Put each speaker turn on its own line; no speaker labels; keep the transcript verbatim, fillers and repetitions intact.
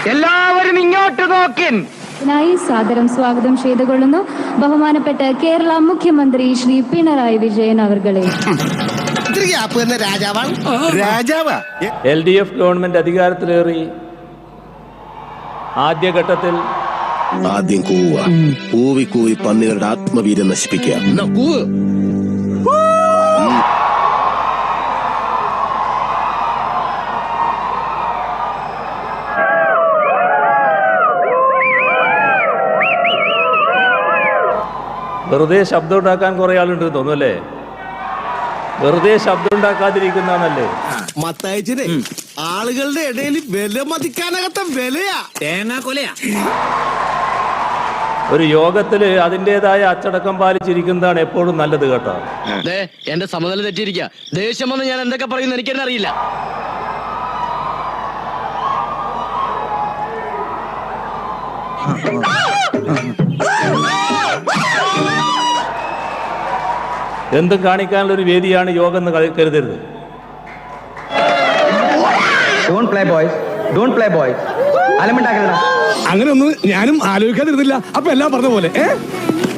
എല്ലാവരും ഇങ്ങോട്ട് നോക്കിൻ.
ായി സാദരം സ്വാഗതം ചെയ്തുകൊള്ളുന്നു ബഹുമാനപ്പെട്ട കേരള മുഖ്യമന്ത്രി ശ്രീ പിണറായി വിജയൻ അവർകളെ.
എൽ ഡി എഫ് ഗവൺമെന്റ് അധികാരത്തിലേറി ആദ്യഘട്ടത്തിൽ
ആദ്യം കൂവ കൂവി കൂവി പന്നികളുടെ ആത്മവീര്യം നശിപ്പിക്കുക.
വെറുതെ ശബ്ദം ഉണ്ടാക്കാൻ കുറെ ആളുണ്ട് തോന്നുന്നല്ലേ? വെറുതെ ശബ്ദം ഉണ്ടാക്കാതിരിക്കുന്നതാണല്ലേ
മത്തയച്ചിനെ ആളുകളുടെ ഇടയിൽ വില മതിക്കാനകത്ത വിലയാ തേങ്ങ കൊലയാ.
ഒരു യോഗത്തില് അതിൻ്റെതായ അച്ചടക്കം പാലിച്ചിരിക്കുന്നതാണ് എപ്പോഴും നല്ലത് കേട്ടോ.
എന്റെ സമനില തെറ്റിയിരിക്കുക. ദേഷ്യം വന്ന് ഞാൻ എന്തൊക്കെ പറയുന്നു എനിക്കെന്നെ അറിയില്ല.
എന്തും കാണിക്കാനുള്ള ഒരു വേദിയാണ് യോഗം എന്ന് കരുതരുത്.
അങ്ങനെ ഒന്നും ഞാനും ആലോചിക്കാതിരുന്നില്ല. അപ്പൊ എല്ലാം പറഞ്ഞ പോലെ